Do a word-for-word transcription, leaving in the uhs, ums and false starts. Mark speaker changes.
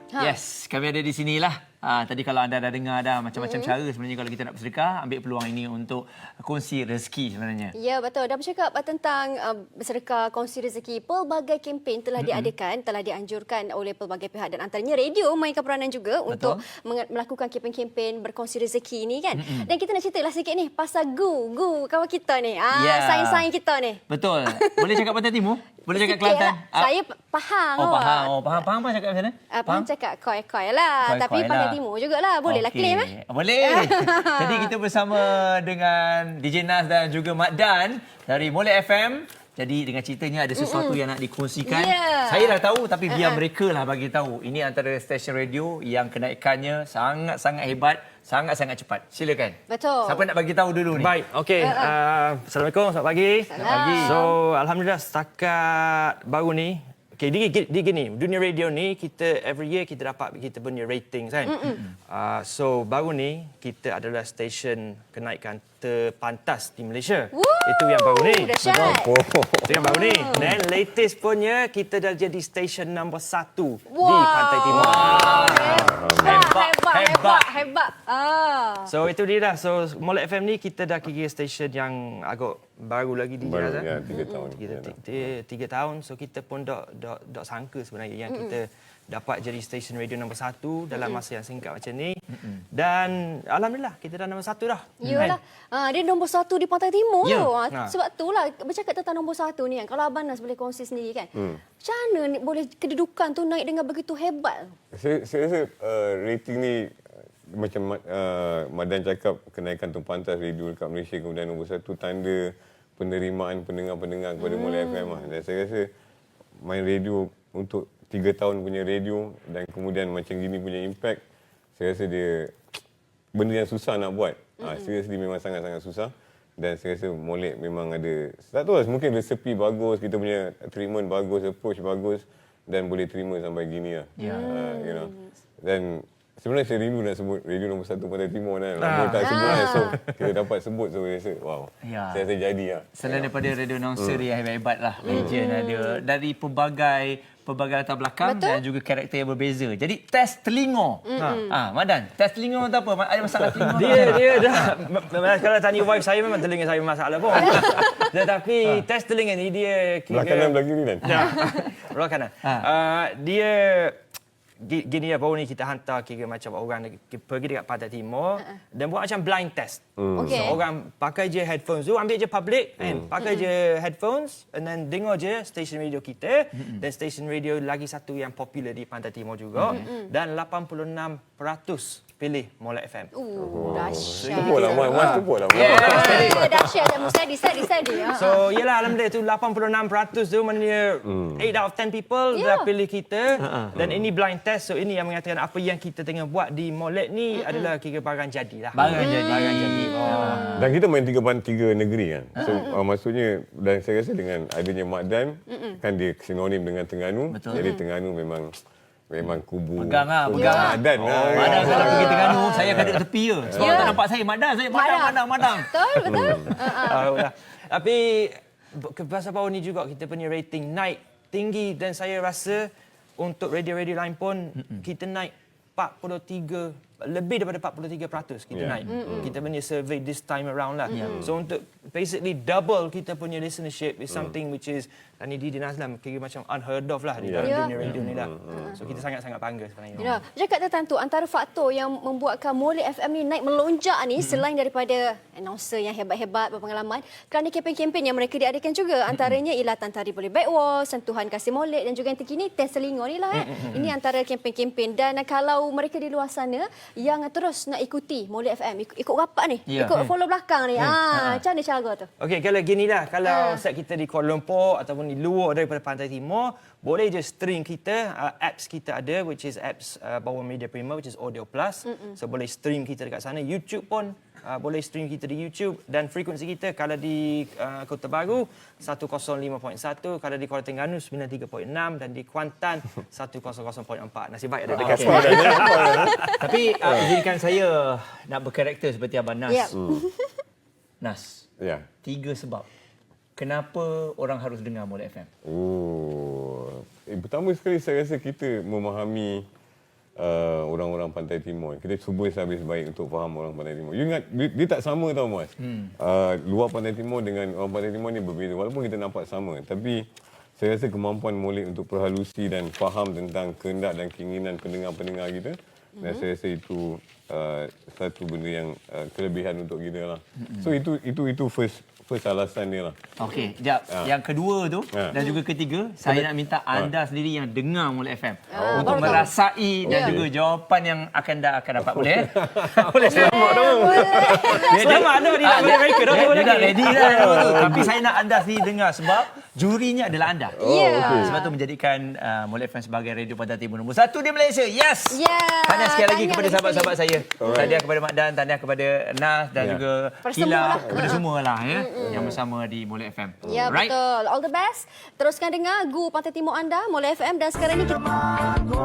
Speaker 1: Ha. Yes, kami ada di sinilah. Ha, tadi kalau anda dah dengar dah macam-macam mm-hmm. cara sebenarnya kalau kita nak bersedekah, ambil peluang ini untuk kongsi rezeki sebenarnya.
Speaker 2: Ya, betul. Dan bercakap tentang uh, bersedekah, kongsi rezeki, pelbagai kempen telah mm-hmm. diadakan, telah dianjurkan oleh pelbagai pihak dan antaranya radio mainkan peranan juga betul. Untuk melakukan kempen-kempen berkongsi rezeki ini kan. Mm-hmm. Dan kita nak ceritalah sikit ni pasal Gu, Gu kawan kita ni. Ah, yeah. Saing-saing kita ni.
Speaker 1: Betul. Boleh cakap Pantai Timur? Boleh cakap Kelantan?
Speaker 2: Lah. Saya faham.
Speaker 1: Oh, faham. Oh, faham. Faham apa cakap macam mana?
Speaker 2: Uh, faham cakap koi-koi lah.
Speaker 1: Koi-koi
Speaker 2: Tapi
Speaker 1: lah.
Speaker 2: Pantai Timur jugalah. Bolehlah
Speaker 1: okay.
Speaker 2: claim eh.
Speaker 1: Boleh. Jadi kita bersama dengan D J Nas dan juga Mak Dan dari Molek F M. Jadi dengan ceritanya ada sesuatu Mm-mm. yang nak dikongsikan. Yeah. Saya dah tahu tapi biar uh-huh. mereka lah bagi tahu. Ini antara stesen radio yang kenaikannya sangat-sangat hebat, sangat-sangat cepat. Silakan.
Speaker 2: Betul.
Speaker 1: Siapa nak bagi tahu dulu ni?
Speaker 3: Baik, okey. Uh-huh. Uh, Assalamualaikum, selamat pagi.
Speaker 2: Selamat pagi.
Speaker 3: So, alhamdulillah setakat baru ni, okey, dia, dia gini, dunia radio ni kita every year kita dapat kita punya ratings kan. Uh, so baru ni kita adalah stesen kenaikan terpantas di Malaysia. Woo! Itu yang baru ni.
Speaker 2: Dahsyat.
Speaker 3: Itu yang baru ni. Dan latest punya kita dah jadi stesen nombor satu
Speaker 2: wow.
Speaker 3: di Pantai Timur.
Speaker 2: Wow. Hebat, hebat, hebat, hebat, hebat. Ah.
Speaker 3: So itu dia dah. So Molek F M ni kita dah kira stesen yang agak baru lagi di
Speaker 4: baru,
Speaker 3: Jazz.
Speaker 4: ya, tiga tahun.
Speaker 3: Tiga, tiga, tiga tahun. So kita pun dok dok dok sangka sebenarnya yang mm-mm. kita dapat jadi stesen radio nombor satu dalam mm-mm. masa yang singkat macam ni. Mm-mm. Dan alhamdulillah kita dah nombor satu dah.
Speaker 2: Yalah. Ha, dia nombor satu di Pantai Timur.
Speaker 1: Ya.
Speaker 2: Ha. Sebab itulah bercakap tentang nombor satu ni kan. Kalau Abang Nas boleh kongsi sendiri kan. Hmm. Macam mana ni boleh kedudukan tu naik dengan begitu hebat?
Speaker 4: Saya, saya rasa uh, rating ni macam uh, Madan cakap kenaikan terpantas radio dekat Malaysia kemudian nombor satu tanda penerimaan pendengar-pendengar kepada hmm. Molek F M lah. Dan saya rasa main radio untuk tiga tahun punya radio dan kemudian macam gini punya impact, saya rasa dia benda yang susah nak buat. Mm-hmm. Ha, seriously memang sangat-sangat susah. Dan saya rasa Molek memang ada, tak tahu lah, mungkin resepi bagus, kita punya treatment bagus, approach bagus dan boleh terima sampai gini lah. Yeah. Ha, you know. Dan sebenarnya saya rindu nak sebut radio nombor satu Pantai Timur kan. Lama ah. tak sebut kan. So kita dapat sebut, so saya rasa wow. Ya. Saya rasa jadi lah.
Speaker 1: Selain daripada radio announcer hmm. yang hebat-hebat lah. Legend hmm. ada. Dari pelbagai pelbagai latar belakang. Betul? Dan juga karakter yang berbeza. Jadi test telinga. Hmm. Ha. ha, Madan, test telinga tu apa? Ada masalah telinga?
Speaker 3: Dia dia dah. Kalau tanya wife saya memang telinga saya masalah pun. Tetapi ha. test telinga ni dia
Speaker 4: belah kanan belah kiri kan.
Speaker 3: Ya. Belah kanan. Ha. Uh, dia gini ya, baru ni kita hantar kira macam orang pergi dekat Pantai Timur uh-uh. dan buat macam blind test. Mm. Okay. So orang pakai je headphones tu, ambil je public mm. kan, pakai mm. je headphones and then dengar je stesen radio kita mm. dan stesen radio lagi satu yang popular di Pantai Timur juga mm. dan lapan puluh enam peratus pilih Molek F M.
Speaker 2: Uh, dahsyat.
Speaker 4: Tepuk lah, Mas. Tepuk lah.
Speaker 2: Yeah. Dahsyat. Steady, steady, steady.
Speaker 3: So, yelah, alhamdulillah tu lapan puluh enam peratus tu maknanya mm. eight out of ten people yeah. dah pilih kita. Uh-huh. Dan mm. ini blind test. So, ini yang mengatakan apa yang kita tengah buat di Molek ni mm-hmm. adalah kira barang jadi lah.
Speaker 1: Barang mm. jadi.
Speaker 3: Barang jadi. Oh.
Speaker 4: Dan kita main tiga, tiga negeri kan. So, uh-huh. uh, maksudnya, dan saya rasa dengan adanya Mak Dan, mm-hmm. kan dia sinonim dengan Terengganu. Betul. Jadi, Terengganu memang memang kubu.
Speaker 1: Pegang lah, pegang lah.
Speaker 4: Madan lah.
Speaker 1: Oh, Madan kalau pergi Terengganu, saya akan duduk tepi je. Sebab yeah. tak nampak saya. Madan, saya Madang, Madang, Madang.
Speaker 2: Betul, betul.
Speaker 3: uh-uh. Tapi, pasal baru ni juga kita punya rating naik tinggi dan saya rasa untuk radio-radio lain pun mm-mm. kita naik empat puluh tiga, lebih daripada empat puluh tiga peratus kita yeah. naik. Mm-mm. Kita punya survey this time around lah. Mm-mm. So untuk basically double kita punya listenership is something mm. which is, dan ini di Nazlam kira macam unheard of lah di dalam yeah. dunia radio yeah. ni lah. Mm. So kita sangat-sangat bangga sebenarnya.
Speaker 2: Ya, cakap tentang tu, antara faktor yang membuatkan Molek F M ni naik melonjak ni mm. selain daripada announcer yang hebat-hebat berpengalaman, kerana kempen-kempen yang mereka diadakan juga. Antaranya ialah Tantari Boleh Backwall, Sentuhan Kasih Molek dan juga yang terkini Test Telinga ni lah. Eh. Mm. Ini antara kempen-kempen. Dan kalau mereka di luar sana yang terus nak ikuti Molek F M, ikut, ikut rapat ni, yeah. ikut follow belakang ni. Hmm. Ah, macam mana cara tu?
Speaker 3: Okey, kalau ginilah, kalau uh. set kita di Kuala Lumpur ataupun di luar daripada Pantai Timur, boleh je stream kita, uh, apps kita ada which is apps uh, bawah Media Prima which is Audio Plus. Mm-mm. So boleh stream kita dekat sana. YouTube pun uh, boleh stream kita di YouTube dan frekuensi kita kalau di uh, Kota Baru seratus lima perpuluhan satu, kalau di Kuala Terengganu sembilan puluh tiga perpuluhan enam dan di Kuantan seratus perpuluhan empat. Nasib baik ada dekat
Speaker 1: okay. Tapi uh, izinkan saya nak berkarakter seperti Abang Nas. Yep. Hmm. Nas.
Speaker 4: Ya. Yeah.
Speaker 1: Tiga sebab kenapa orang harus dengar Molek F M?
Speaker 4: Oh, eh, pertama sekali saya rasa kita memahami uh, orang-orang Pantai Timur. Kita cuba sehabis baik untuk faham orang Pantai Timur. You ingat, dia, dia tak sama tau Mas. Hmm. Uh, luar Pantai Timur dengan orang Pantai Timur ni berbeza. Walaupun kita nampak sama. Tapi saya rasa kemampuan Molek untuk perhalusi dan faham tentang kehendak dan keinginan pendengar-pendengar kita. Hmm. Dan saya rasa itu uh, satu benda yang uh, kelebihan untuk kita lah. Hmm. So itu itu itu first first alasan dia lah.
Speaker 1: Okey, jap. Ha. Yang kedua tu ha. dan juga ketiga, saya nak minta anda ha. sendiri yang dengar Molek F M oh, untuk merasai dan yeah. juga jawapan yang akan dah akan dapat. Boleh? Boleh selamat tu.
Speaker 3: Selamat anda di dalam mereka dah.
Speaker 1: Dia dah ready dah tu. Tapi saya nak anda sendiri dengar sebab jurinya adalah anda.
Speaker 2: Oh, okay.
Speaker 1: Sebab tu menjadikan uh, Molek F M sebagai radio Pantai Timur nombor satu di Malaysia. Yes.
Speaker 2: Yeah.
Speaker 1: Tahniah sekali lagi kepada sahabat-sahabat saya.
Speaker 4: Alright.
Speaker 1: Tahniah kepada Mak Dan, tahniah kepada Nas dan yeah. juga Kila, kepada semua lah ya. Mm-hmm. yang bersama di Molek F M.
Speaker 2: Ya, right? Betul. All the best. Teruskan dengar Gu Pantai Timur anda, Molek F M, dan sekarang ini kita